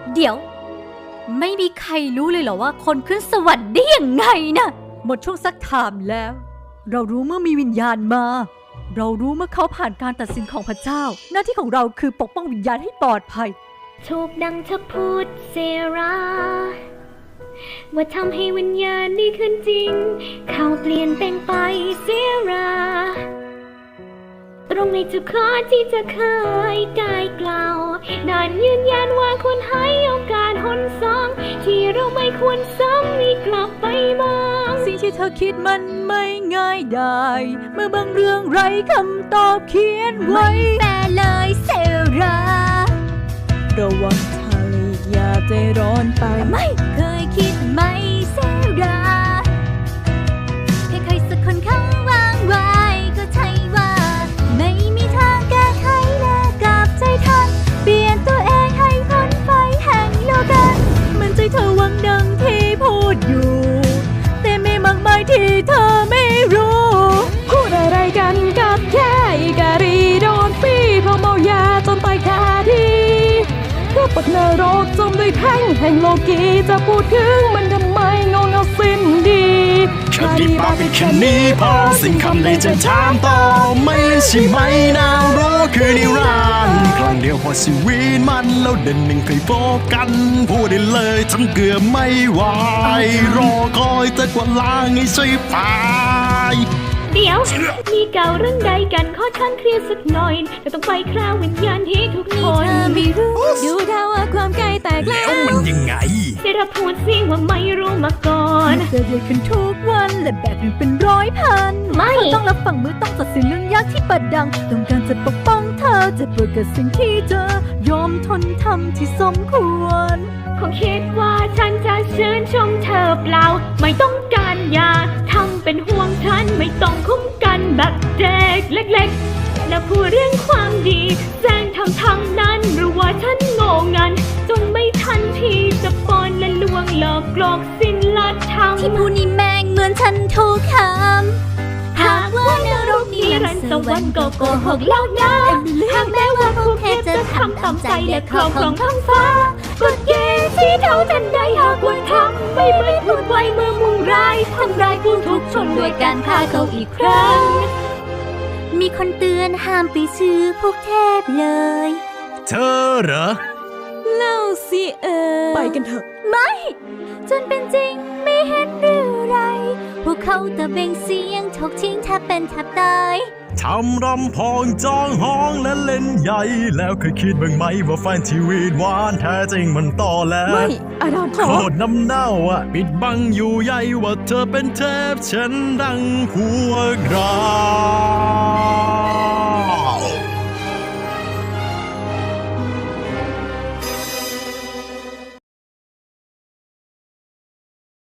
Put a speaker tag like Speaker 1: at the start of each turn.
Speaker 1: เดี๋ยวไม่มีใครรู้เลยเหรอว่าคนขึ้นสวรรค์ได้ยังไงนะหมดช่วงซักถามแล้วเรารู้เมื่อมีวิญญาณมาเรารู้เมื่อเขาผ่านการตัดสินของพระเจ้าหน้าที่ของเราคือปกป้องวิญญาณให้ปลอดภัย
Speaker 2: ถูกดังเธอพูดเซราว่าทำให้วิญญาณนี้ขึ้นจริงเขาเปลี่ยนแปลงไปเซราตรงในทุกข้อที่จะเคยได้กล่าวนั่นยืนยันว่าควรให้โอกาสหนสองที่เราไม่ควรซ้ำอีกกลับไปมอง
Speaker 1: สิ่งที่เธอคิดมันไม่ง่ายได้เมื่อบางเรื่องไร้คำตอบเขียนไว้แม่เลยเซราระวังเธออย่าใจร้อนไปไม่เคยคิดไหมเซราใครสักคนเขาวางไว้ก็ใช่ว่าไม่มีทางแก้ไขและกลับใจทันเปลี่ยนตัวเองให้พ้นไฟแห่งโลกามันใจเธอหวังดังที่พูดอยู่แต่ไม่มากมายที่เธอไม่รู้
Speaker 3: พูดอะไรกันกับแค่อีการีโดนปีเพราะเมายาจนตายคาที่ก็ปักนรกจมด้วยแท่งแห่งโลกีจะพูดถึงมันทำไมงงเอาสิ้นดี
Speaker 4: แค่ดีปากเป็นแค่นี้พอสิ่งคำใดจะถามต่อไม่เล่นใช่ไหมนาวโรคือนิรันดร์ครั้งเดียวพอชีวิตมันแล้วเดินหนึ่งเคยพบกันพูดได้เลยฉันเกือบไม่ไหวรอคอยแต่กว่าล้างให้ช่วยไป
Speaker 2: เดี๋ยวมีเก่าเรื่องใดกันขอฉันเคลียร์สักหน่อยเราต้องไปคราววิญญาณที่ทุกคน
Speaker 3: ไม่รู้ดูดาวว่าความใกล้แตกแล้ว
Speaker 4: มันยังไง
Speaker 2: ได้รับพูดสิว่าไม่รู้มาก่อน
Speaker 1: เจอเดือดขึ้นทุกวันและแบบหนึ่งเป็นร้อยพัน
Speaker 2: ไม่
Speaker 1: ต้องรับฟังมือต้องตัดสินเรื่องยากที่ประดังต้องการจะปกป้องเธอจะเปิดกับสิ่งที่เธอยอมทนทำที่สมควร
Speaker 2: คงคิดว่าฉันจะชื่นชมเธอเปล่าไม่ต้องการอย่าทำเป็นห่วงฉันไม่ต้องคุ้มกันแบบเด็กเล็กๆและพูดเรื่องความดีแจ้งทำทางนั้นหรือว่าฉันโง่งันจนไม่ทันที่จะปอนและลวงหลอกหลอกสิ้นลัดทำ
Speaker 1: ที่พูดนี่แม่งเหมือนฉันถูกคำ
Speaker 2: หากว่านรกนิรันดร์สวรรค์ก็โกหกแล้วนะหากแม้ว่าพวกเทพจะทำตามใจและครอบครองท้องฟ้ากฎเกณฑ์ที่เท่าทันใดหากว่าทำไม่เหมือนพูดไว้เมื่อมุ่งร้ายทำร้ายผู้ทุกชนด้วยการฆ่าเขาอีกครั้ง
Speaker 1: มีคนเตือนห้ามไปซื้อพวกเทพเลย
Speaker 4: เธอเหรอ
Speaker 3: เล่าสิไปกันเถอะ
Speaker 1: ไม่จนเป็นจริงไม่เห็นหรือไรพวกเขาตะเบงเสียงถกทิ้งแทบเป็นแทบตาย
Speaker 4: ทำรำพองจองห้องและเล่นใหญ่แล้วเคยคิดบ้างไหมว่าแฟนชีวิตหวานแท้จริงมันต่อแล้ว
Speaker 3: ไม่อาดัมขอ
Speaker 4: โคตรน้ำเน่าปิดบังอยู่ใหญ่ว่าเธอเป็นเทพฉันดังพวกเรา